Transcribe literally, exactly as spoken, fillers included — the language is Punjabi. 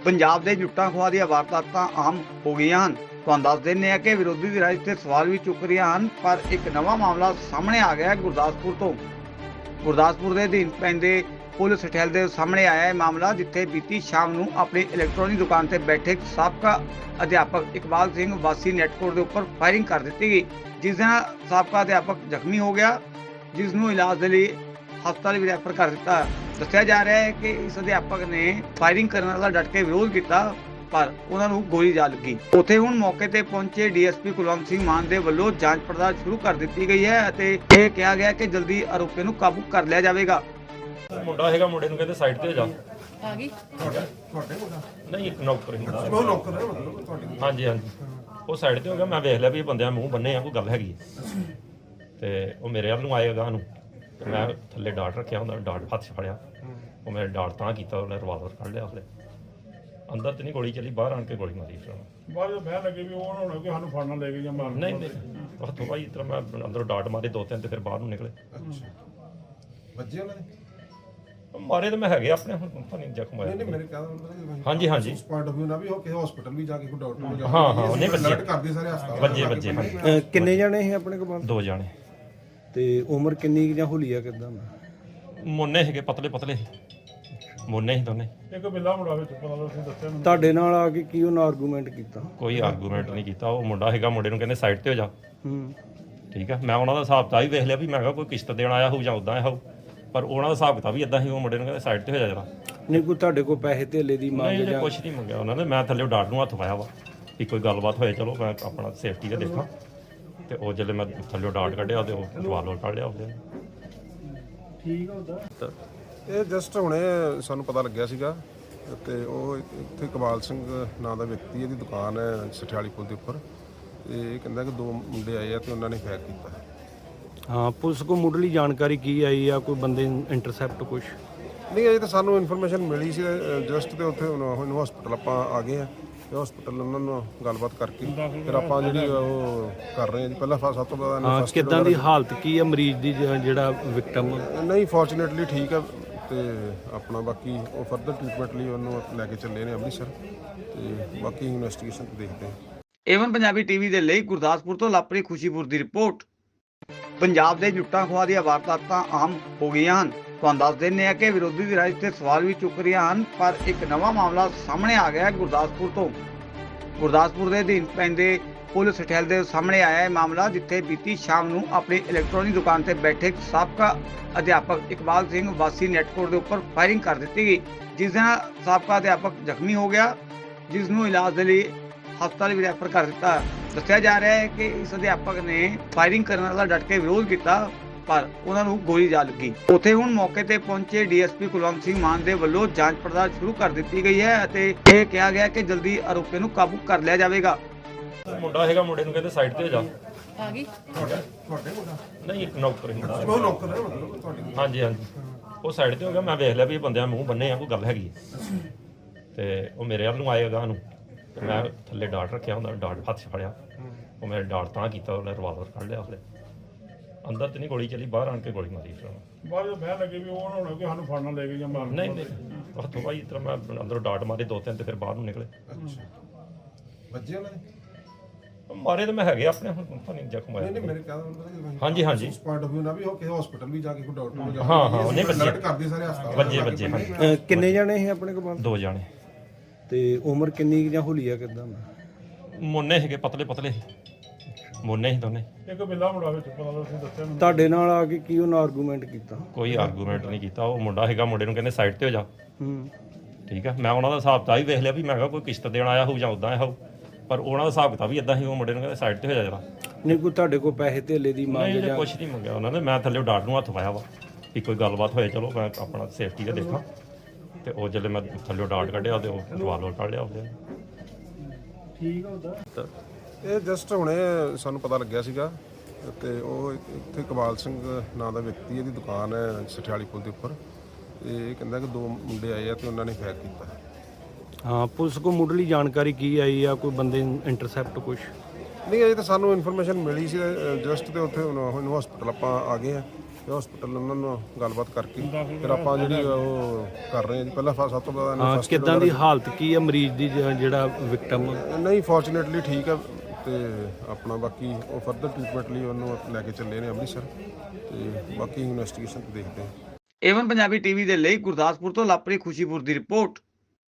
ਪੰਜਾਬ ਦੇ ਲੁੱਟਾਂ ਖੋਹਾਂ ਦੀਆਂ ਵਾਰਦਾਤਾਂ ਆਮ ਹੋ ਗਈਆਂ ਹਨ। ਤੁਹਾਨੂੰ ਦੱਸ ਦਿੰਦੇ ਹਾਂ ਕਿ ਵਿਰੋਧੀ ਧਿਰਾਂ ਇਸ ਤੇ ਸਵਾਲ ਵੀ ਚੁੱਕ ਰਹੀਆਂ ਹਨ, ਪਰ ਇੱਕ ਨਵਾਂ ਮਾਮਲਾ ਸਾਹਮਣੇ ਆ ਗਿਆ ਹੈ ਗੁਰਦਾਸਪੁਰ ਤੋਂ। ਗੁਰਦਾਸਪੁਰ ਦੇ ਅਧੀਨ ਪੈਂਦੇ ਪੁਲਿਸ ਠਹਿਲ ਦੇ ਸਾਹਮਣੇ ਆਇਆ ਇਹ ਮਾਮਲਾ, ਜਿੱਥੇ ਬੀਤੀ ਸ਼ਾਮ ਨੂੰ ਆਪਣੀ ਇਲੈਕਟ੍ਰੋਨਿਕ ਦੁਕਾਨ ਤੇ ਬੈਠੇ ਇੱਕ ਸਾਬਕਾ ਅਧਿਆਪਕ ਇਕਬਾਲ ਸਿੰਘ ਵਾਸੀ ਨੈਟਕੋਟ ਦੇ ਉੱਪਰ ਫਾਇਰਿੰਗ ਕਰ ਦਿੱਤੀ ਗਈ, ਜਿਸ ਨਾਲ ਸਾਬਕਾ ਅਧਿਆਪਕ ਜ਼ਖਮੀ ਹੋ ਗਿਆ, ਜਿਸ ਨੂੰ ਇਲਾਜ ਦੇ ਲਈ ਹਸਪਤਾਲ ਵੀ ਰੈਫਰ ਕਰ ਦਿੱਤਾ। ਦੱਸਿਆ ਜਾ ਰਿਹਾ ਹੈ ਕਿ ਇਸ ਅਧਿਆਪਕ ਨੇ ਫਾਇਰਿੰਗ ਕਰਨ ਦਾ ਡਟ ਕੇ ਵਿਰੋਧ ਕੀਤਾ, ਪਰ ਉਹਨਾਂ ਨੂੰ ਗੋਲੀ ਜਾ ਲੱਗੀ। ਉੱਥੇ ਹੁਣ ਮੌਕੇ ਤੇ ਪਹੁੰਚੇ ਡੀਐਸਪੀ ਕੁਲਵੰਤ ਸਿੰਘ ਮਾਨ ਦੇ ਵੱਲੋਂ ਜਾਂਚ ਪੜਤਾਲ ਸ਼ੁਰੂ ਕਰ ਦਿੱਤੀ ਗਈ ਹੈ ਅਤੇ ਇਹ ਕਿਹਾ ਗਿਆ ਕਿ ਜਲਦੀ ਆਰੋਪੀ ਨੂੰ ਕਾਬੂ ਕਰ ਲਿਆ ਜਾਵੇਗਾ। ਮੁੰਡਾ ਹੈਗਾ, ਮੁੰਡੇ ਨੂੰ ਕਹਿੰਦੇ ਸਾਈਡ ਤੇ ਹੋ ਜਾ। ਆ ਗਈ ਤੁਹਾਡੇ ਮੁੰਡਾ ਨਹੀਂ, ਇੱਕ ਨੌਕਰ ਹੀ ਮੁੰਡਾ। ਉਹ ਨੌਕਰ ਹੈ ਮਤਲਬ ਤੁਹਾਡੀ? ਹਾਂਜੀ ਹਾਂਜੀ, ਉਹ ਸਾਈਡ ਤੇ ਹੋ ਗਿਆ। ਮੈਂ ਵੇਖ ਲਿਆ ਵੀ ਇਹ ਬੰਦਿਆਂ ਮੂੰਹ ਬੰਨੇ ਆ, ਕੋਈ ਗੱਲ ਹੈਗੀ ਹੈ। ਤੇ ਉਹ ਮੇਰੇ ਵੱਲ ਨੂੰ ਆਏਗਾ ਨੂੰ, ਤੇ ਮੈਂ ਥੱਲੇ ਡਾਟ ਰੱਖਿਆ ਹੁੰਦਾ, ਡਾਟ ਹੱਥ 'ਚ ਫੜਿਆ। ਉਹ ਮੇਰੇ ਡਾਟ ਤਾਂ ਕੀਤਾ, ਉਹਨੇ ਰਿਵਾਲਵਰ ਕੱਢ ਲਿਆ। ਉਹਨੇ ਅੰਦਰ ਤੇ ਨਹੀਂ ਗੋਲੀ ਚੱਲੀ, ਬਾਹਰ ਆਣ ਕੇ ਗੋਲੀ ਮਾਰੀ। ਫਿਰ ਬਾਅਦ ਵਿੱਚ ਬਹਿ ਲੱਗੇ ਵੀ ਉਹ ਨਾ ਹੋਣਾ ਕਿ ਸਾਨੂੰ ਫੜਨਾ ਲੈ ਕੇ ਜਾਂ ਮਾਰਨ। ਨਹੀਂ ਨਹੀਂ, ਹੱਥੋਂ ਭਾਈ ਇਸ ਤਰ੍ਹਾਂ ਮੈਂ ਅੰਦਰੋਂ ਡਾਟ ਮਾਰੇ ਦੋ ਤਿੰਨ, ਤੇ ਫਿਰ ਬਾਹਰ ਨੂੰ ਨਿਕਲੇ। ਵੱਜੇ ਉਹਨਾਂ ਨੇ? ਮਾਰੇ ਤਾਂ ਮੈਂ ਹੈਗੇ ਆਪਣੇ, ਹੁਣ ਪਤਾ ਨਹੀਂ ਜ਼ਖਮ ਨਹੀਂ ਨਹੀਂ, ਆਇਆ। ਮੇਰੇ ਕਹਿੰਦਾ ਹਾਂਜੀ ਹਾਂਜੀ, ਉਸ ਪੁਆਇੰਟ ਆਫ View ਨਾਲ ਵੀ ਉਹ ਕਿਸੇ ਹਸਪੀਟਲ ਵੀ ਜਾ ਕੇ ਕੋਈ ਡਾਕਟਰ ਨੂੰ ਜਾ ਕੇ ਹਾਂ ਹਾਂ, ਉਹਨੇ ਅਲਰਟ ਵੱਜੇ ਕਰਦੇ ਸਾਰੇ ਹਸਪਤਾਲ ਵੱਜੇ ਵੱਜੇ ਹਾਂਜੀ। ਅਹ ਕਿੰਨੇ ਜਾਣੇ ਸੀ ਆਪਣੇ ਕੋਲ? ਦੋ ਜਾਣੇ। ਤੇ ਉਮਰ ਕਿੰਨੀ ਕੁ ਜਾਂ ਹੁਲੀਆ ਕਿਦਾਂ? ਮੁੰਨੇ ਹੈਗੇ, ਪਤਲੇ ਪਤਲੇ ਮੁੰਨੇ ਸੀ ਦੋਨੇ। ਇੱਕ ਬਿੱਲਾ ਮੁੰਡਾ ਵਿੱਚ ਪਤਾ ਤੁਸੀਂ ਦੱਸਿਆ ਮੈਨੂੰ। ਤੁਹਾਡੇ ਨਾਲ ਆ ਕੇ ਕੀ ਉਹਨਾਂ ਆਰਗੂਮੈਂਟ ਕੀਤਾ? ਕੋਈ ਆਰਗੂਮੈਂਟ ਨਹੀਂ ਕੀਤਾ। ਉਹ ਮੁੰਡਾ ਹੈਗਾ, ਮੁੰਡੇ ਨੂੰ ਕਹਿੰਦੇ ਸਾਈਡ ਤੇ ਹੋ ਜਾ। ਹੂੰ, ਠੀਕ ਆ, ਮੈਂ ਉਹਨਾਂ ਦਾ ਹਿਸਾਬ ਤਾਂ ਹੀ ਵੇਖ ਲਿਆ ਵੀ ਮੈਂ ਕਿਹਾ ਕੋਈ ਕਿਸ਼ਤ ਦੇਣ ਆਇਆ ਹੋਊ ਜਾਂ ਉਦਾਂ ਆਇਆ ਹੋਊ, ਪਰ ਉਹਨਾਂ ਦਾ ਹਿਸਾਬ ਕਿਤਾਬ ਵੀ ਇਦਾਂ ਸੀ। ਉਹ ਮੁੰਡੇ ਨੂੰ ਕਹਿੰਦੇ ਸਾਈਡ ਤੇ ਹੋ ਜਾ ਜਰਾ। ਨਹੀਂ ਕੋਈ ਤੁਹਾਡੇ ਕੋਲ ਪੈਸੇ ਧੇਲੇ ਦੀ ਮੰਗ ਨਹੀਂ, ਜਾਂ? ਕੁਝ ਨਹੀਂ ਮੰਗਿਆ ਉਹਨਾਂ ਨੇ। ਮੈਂ ਥੱਲੇ ਡਾਟ ਨੂੰ ਹੱਥ ਪਾਇਆ ਵਾ ਕਿ ਕੋਈ ਗੱਲਬਾਤ ਹੋਏ, ਚਲੋ ਮੈਂ ਆਪਣਾ ਸੇਫਟੀ ਦਾ ਦੇਖਾਂ। ਤੇ ਉਹ ਜਦੋਂ ਮੈਂ ਥੱਲੇ ਡਾਟ ਕੱਢਿਆ ਤੇ ਉਹ ਰਿਵਾਲਵਰ ਕੱਢ ਲਿਆ ਉਹਦੇ। ਠੀਕ ਆ ਉਹਦਾ। ਇਹ ਜਸਟ ਹੁਣੇ ਸਾਨੂੰ ਪਤਾ ਲੱਗਿਆ ਸੀਗਾ, ਤੇ ਉਹ ਇੱਥੇ ਇਕਬਾਲ ਸਿੰਘ ਨਾਂ ਦਾ ਵਿਅਕਤੀ, ਇਹਦੀ ਦੁਕਾਨ ਹੈ ਸਠਿਆਲੀ ਪੁਲ ਦੇ ਉੱਪਰ। ਤੇ ਇਹ ਕਹਿੰਦਾ ਕਿ ਦੋ ਮੁੰਡੇ ਆਏ ਆ ਤੇ ਉਹਨਾਂ ਨੇ ਫਾਇਰ ਕੀਤਾ। ਹਾਂ, ਪੁਲਿਸ ਕੋਲ ਮੁੱਢਲੀ ਜਾਣਕਾਰੀ ਕੀ ਆਈ ਆ? ਕੋਈ ਬੰਦੇ ਇੰਟਰਸੈਪਟ ਕੁਛ? ਨਹੀਂ, ਅਜੇ ਤਾਂ ਸਾਨੂੰ ਇਨਫੋਰਮੇਸ਼ਨ ਮਿਲੀ ਸੀ ਜਸਟ, ਤੇ ਉੱਥੇ ਹੁਣ ਹਸਪੀਟਲ ਆਪਾਂ ਆ ਗਏ ਆ। ਤੇ ਹਸਪੀਟਲ ਉਹਨਾਂ ਨੂੰ ਗੱਲਬਾਤ ਕਰਕੇ ਫਿਰ ਆਪਾਂ ਜਿਹੜੀ ਉਹ ਕਰ ਰਹੇ ਹਾਂ ਜੀ। ਪਹਿਲਾਂ ਸਭ ਤੋਂ ਪਹਿਲਾਂ ਹਾਂ, ਕਿੱਦਾਂ ਦੀ ਹਾਲਤ ਕੀ ਆ ਮਰੀਜ਼ ਦੀ, ਜ- ਜਿਹੜਾ ਵਿਕਟਮ? ਨਹੀਂ, ਫੋਰਚੂਨੇਟਲੀ ਠੀਕ ਹੈ। ਤੇ ਆਪਣਾ ਬਾਕੀ ਉਹ ਫਰਦਰ ਟ੍ਰੀਟਮੈਂਟ ਲਈ ਉਹਨੂੰ ਲੈ ਕੇ ਚੱਲੇ ਨੇ ਅੰਮ੍ਰਿਤਸਰ, ਤੇ ਬਾਕੀ ਇਨਵੈਸਟੀਗੇਸ਼ਨ ਦੇਖਦੇ ਹਾਂ। ਏਵਨ ਪੰਜਾਬੀ ਟੀਵੀ ਦੇ ਲਈ ਗੁਰਦਾਸਪੁਰ ਤੋਂ ਲਾਪਰੀ ਖੁਸ਼ੀਪੁਰ ਦੀ ਰਿਪੋਰਟ। ਪੰਜਾਬ ਦੇ ਲੁੱਟਾਂ ਖੋਹਾਂ ਦੀਆਂ ਵਾਰਦਾਤਾਂ ਆਮ ਹੋ ਗਈਆਂ ਹਨ। ਤੁਹਾਨੂੰ ਦੱਸ ਦਿੰਦੇ ਹਾਂ ਕਿ ਵਿਰੋਧੀ ਧਿਰਾਂ ਇਸ ਤੇ ਸਵਾਲ ਵੀ ਚੁੱਕ ਰਹੀਆਂ ਹਨ, ਪਰ ਇੱਕ ਨਵਾਂ ਮਾਮਲਾ ਸਾਹਮਣੇ ਆ ਗਿਆ ਹੈ ਗੁਰਦਾਸਪੁਰ ਤੋਂ। ਗੁਰਦਾਸਪੁਰ ਦੇ ਅਧੀਨ ਪੈਂਦੇ ਪੁਲਿਸ ਠਹਿਲ ਦੇ ਸਾਹਮਣੇ ਆਇਆ ਇਹ ਮਾਮਲਾ, ਜਿੱਥੇ ਬੀਤੀ ਸ਼ਾਮ ਨੂੰ ਆਪਣੀ ਇਲੈਕਟ੍ਰੋਨਿਕ ਦੁਕਾਨ ਤੇ ਬੈਠੇ ਇੱਕ ਸਾਬਕਾ ਅਧਿਆਪਕ ਇਕਬਾਲ ਸਿੰਘ ਵਾਸੀ ਨੈਟਕੋਟ ਦੇ ਉੱਪਰ ਫਾਇਰਿੰਗ ਕਰ ਦਿੱਤੀ ਗਈ, ਜਿਸ ਨਾਲ ਸਾਬਕਾ ਅਧਿਆਪਕ ਜ਼ਖਮੀ ਹੋ ਗਿਆ, ਜਿਸ ਨੂੰ ਇਲਾਜ ਦੇ ਲਈ ਹਸਪਤਾਲ ਵੀ ਰੈਫਰ ਕਰ ਦਿੱਤਾ। ਦੱਸਿਆ ਜਾ ਰਿਹਾ ਹੈ ਕਿ ਇਸ ਅਧਿਆਪਕ ਨੇ ਫਾਇਰਿੰਗ ਕਰਨ ਦਾ ਡਟ ਕੇ ਵਿਰੋਧ ਕੀਤਾ, ਪਰ ਉਹਨਾਂ ਨੂੰ ਗੋਲੀ ਜਾ ਲੱਗੀ। ਉੱਥੇ ਹੁਣ ਮੌਕੇ ਤੇ ਪਹੁੰਚੇ ਡੀਐਸਪੀ ਕੁਲਵੰਤ ਸਿੰਘ ਮਾਨ ਦੇ ਵੱਲੋਂ ਜਾਂਚ ਪੜਤਾਲ ਸ਼ੁਰੂ ਕਰ ਦਿੱਤੀ ਗਈ ਹੈ ਅਤੇ ਇਹ ਕਿਹਾ ਗਿਆ ਕਿ ਜਲਦੀ ਆਰੋਪੀ ਨੂੰ ਕਾਬੂ ਕਰ ਲਿਆ ਜਾਵੇਗਾ। ਮੁੰਡਾ ਹੈਗਾ, ਮੁੰਡੇ ਨੂੰ ਕਹਿੰਦੇ ਸਾਈਡ ਤੇ ਹੋ ਜਾ। ਆ ਗਈ ਤੁਹਾਡੇ ਤੁਹਾਡੇ ਮੁੰਡਾ? ਨਹੀਂ, ਇੱਕ ਨੌਕਰ ਹੀ ਮੁੰਡਾ। ਉਹ ਨੌਕਰ ਹੈ ਮਤਲਬ ਤੁਹਾਡੀ? ਹਾਂਜੀ ਹਾਂਜੀ, ਉਹ ਸਾਈਡ ਤੇ ਹੋ ਗਿਆ। ਮੈਂ ਵੇਖ ਲਿਆ ਵੀ ਇਹ ਬੰਦਿਆਂ ਮੂੰਹ ਬੰਨੇ ਆ, ਕੋਈ ਗੱਲ ਹੈਗੀ ਹੈ। ਤੇ ਉਹ ਮੇਰੇ ਵੱਲ ਨੂੰ ਆਏਗਾ ਨੂੰ, ਤੇ ਮੈਂ ਥੱਲੇ ਡਾਟ ਰੱਖਿਆ ਹੁੰਦਾ, ਡਾਟ ਹੱਥ 'ਚ ਫੜਿਆ। ਉਹ ਮੇਰੇ ਡਾਟ ਤਾਂ ਕੀਤਾ, ਉਹਨੇ ਰਿਵਾਲਵਰ ਕੱਢ ਲਿਆ। ਉਹਨੇ ਅੰਦਰ ਤੇ ਨਹੀਂ ਗੋਲੀ ਚੱਲੀ, ਬਾਹਰ ਆਣ ਕੇ ਗੋਲੀ ਮਾਰੀ। ਫਿਰ ਬਾਅਦ ਵਿੱਚ ਬਹਿ ਲੱਗੇ ਵੀ ਉਹ ਨਾ ਹੋਣਾ ਕਿ ਸਾਨੂੰ ਫੜਨਾ ਲੈ ਕੇ ਜਾਂ ਮਾਰਨ। ਨਹੀਂ ਨਹੀਂ, ਹੱਥੋਂ ਭਾਈ ਇਸ ਤਰ੍ਹਾਂ ਮੈਂ ਅੰਦਰੋਂ ਡਾਟ ਮਾਰੇ ਦੋ ਤਿੰਨ, ਤੇ ਫਿਰ ਬਾਹਰ ਨੂੰ ਨਿਕਲੇ। ਵੱਜੇ ਉਹਨਾਂ ਨੇ? ਮਾਰੇ ਤਾਂ ਮੈਂ ਹੈਗੇ ਆਪਣੇ, ਹੁਣ ਪਤਾ ਨਹੀਂ ਜ਼ਖਮ ਨਹੀਂ ਨਹੀਂ, ਆਇਆ। ਮੇਰੇ ਕਹਿੰਦਾ ਹਾਂਜੀ ਹਾਂਜੀ, ਉਸ ਪੁਆਇੰਟ ਆਫ View ਨਾਲ ਵੀ ਉਹ ਕਿਸੇ ਹਸਪੀਟਲ ਵੀ ਜਾ ਕੇ ਕੋਈ ਡਾਕਟਰ ਨੂੰ ਜਾ ਹਾਂ ਹਾਂ, ਉਹਨੇ ਵੱਜੇ ਅਲਰਟ ਕਰਦੇ ਸਾਰੇ ਹਸਪਤਾਲ ਵੱਜੇ ਵੱਜੇ ਹਾਂਜੀ। ਅਹ ਕਿੰਨੇ ਜਾਣੇ ਸੀ ਆਪਣੇ ਕੋਲ? ਦੋ ਜਾਣੇ। ਤੇ ਉਮਰ ਕਿੰਨੀ ਕੁ ਜਾਂ ਹੁਲੀਆ ਕਿਦਾਂ? ਮੁੰਨੇ ਹੈਗੇ, ਪਤਲੇ ਪਤਲੇ ਮੁੰਨੇ ਸੀ ਦੋਨੇ। ਇੱਕ ਬਿੱਲਾ ਮੁੰਡਾ ਵਿੱਚ ਪਤਾ ਤੁਸੀਂ ਦੱਸਿਆ ਮੈਨੂੰ। ਤੁਹਾਡੇ ਨਾਲ ਆ ਕੇ ਕੀ ਉਹਨਾਂ ਆਰਗੂਮੈਂਟ ਕੀਤਾ? ਕੋਈ ਆਰਗੂਮੈਂਟ ਨਹੀਂ ਕੀਤਾ। ਉਹ ਮੁੰਡਾ ਹੈਗਾ, ਮੁੰਡੇ ਨੂੰ ਕਹਿੰਦੇ ਸਾਈਡ ਤੇ ਹੋ ਜਾ। ਹੂੰ, ਠੀਕ ਆ, ਮੈਂ ਉਹਨਾਂ ਦਾ ਹਿਸਾਬ ਤਾਂ ਹੀ ਵੇਖ ਲਿਆ ਵੀ ਮੈਂ ਕਿਹਾ ਕੋਈ ਕਿਸ਼ਤ ਦੇਣ ਆਇਆ ਹੋਊ ਜਾਂ ਉਦਾਂ ਆਇਆ ਹੋਊ, ਪਰ ਉਹਨਾਂ ਦਾ ਹਿਸਾਬ ਕਿਤਾਬ ਵੀ ਇਦਾਂ ਸੀ। ਉਹ ਮੁੰਡੇ ਨੂੰ ਕਹਿੰਦੇ ਸਾਈਡ ਤੇ ਹੋ ਜਾ ਜਰਾ। ਨਹੀਂ ਕੋਈ ਤੁਹਾਡੇ ਕੋਲ ਪੈਸੇ ਧੇਲੇ ਦੀ ਮੰਗ ਨਹੀਂ, ਜਾਂ? ਕੁਝ ਨਹੀਂ ਮੰਗਿਆ ਉਹਨਾਂ ਨੇ। ਮੈਂ ਥੱਲੇ ਡਾਟ ਨੂੰ ਹੱਥ ਪਾਇਆ ਵਾ ਕਿ ਕੋਈ ਗੱਲਬਾਤ ਹੋਏ, ਚਲੋ ਮੈਂ ਆਪਣਾ ਸੇਫਟੀ ਦਾ ਦੇਖਾਂ। ਤੇ ਉਹ ਜਦੋਂ ਮੈਂ ਥੱਲੇ ਡਾਟ ਕੱਢਿਆ ਤੇ ਉਹ ਰਿਵਾਲਵਰ ਕੱਢ ਲਿਆ ਉਹਦੇ। ਠੀਕ ਆ ਉਹਦਾ। ਇਹ ਜਸਟ ਹੁਣੇ ਸਾਨੂੰ ਪਤਾ ਲੱਗਿਆ ਸੀਗਾ, ਤੇ ਉਹ ਇੱਥੇ ਇਕਬਾਲ ਸਿੰਘ ਨਾਂ ਦਾ ਵਿਅਕਤੀ, ਇਹਦੀ ਦੁਕਾਨ ਹੈ ਸਠਿਆਲੀ ਪੁਲ ਦੇ ਉੱਪਰ। ਤੇ ਇਹ ਕਹਿੰਦਾ ਕਿ ਦੋ ਮੁੰਡੇ ਆਏ ਆ ਤੇ ਉਹਨਾਂ ਨੇ ਫਾਇਰ ਕੀਤਾ। ਹਾਂ, ਪੁਲਿਸ ਕੋਲ ਮੁੱਢਲੀ ਜਾਣਕਾਰੀ ਕੀ ਆਈ ਆ? ਕੋਈ ਬੰਦੇ ਇੰਟਰਸੈਪਟ ਕੁਛ? ਨਹੀਂ, ਅਜੇ ਤਾਂ ਸਾਨੂੰ ਇਨਫੋਰਮੇਸ਼ਨ ਮਿਲੀ ਸੀ ਜਸਟ, ਤੇ ਉੱਥੇ ਹੁਣ ਹਸਪੀਟਲ ਆਪਾਂ ਆ ਗਏ ਆ। ਤੇ ਹਸਪੀਟਲ ਉਹਨਾਂ ਨੂੰ ਗੱਲਬਾਤ ਕਰਕੇ ਫਿਰ ਆਪਾਂ ਜਿਹੜੀ ਉਹ ਕਰ ਰਹੇ ਹਾਂ ਜੀ। ਪਹਿਲਾਂ ਫ- ਸਭ ਤੋਂ ਪਹਿਲਾਂ ਇਹਨੂੰ ਹਾਂ first aid ਕਿੱਦਾਂ ਦੀ ਵਗੈਰਾ- ਹਾਲਤ ਕੀ ਹੈ ਮਰੀਜ਼ ਦੀ ਜ- ਜਿਹੜਾ ਵਿਕਟਮ? ਨਹੀਂ ਫੋਰਚੂਨੇਟਲੀ ਠੀਕ ਹੈ ਤੇ ਆਪਣਾ ਬਾਕੀ ਉਹ ਫਰਦਰ ਟ੍ਰੀਟਮੈਂਟ ਲਈ ਉਹਨੂੰ ਲੈ ਕੇ ਚੱਲੇ ਨੇ ਅੰਮ੍ਰਿਤਸਰ ਤੇ ਬਾਕੀ ਇਨਵੈਸਟੀਗੇਸ਼ਨ ਦੇਖਦੇ ਹਾਂ। ਏਵਨ ਪੰਜਾਬੀ ਟੀਵੀ ਦੇ ਲਈ ਗੁਰਦਾਸਪੁਰ ਤੋਂ ਲਵਪ੍ਰੀਤ ਖੁਸ਼ੀਪੁਰ ਦੀ ਰਿਪੋਰਟ।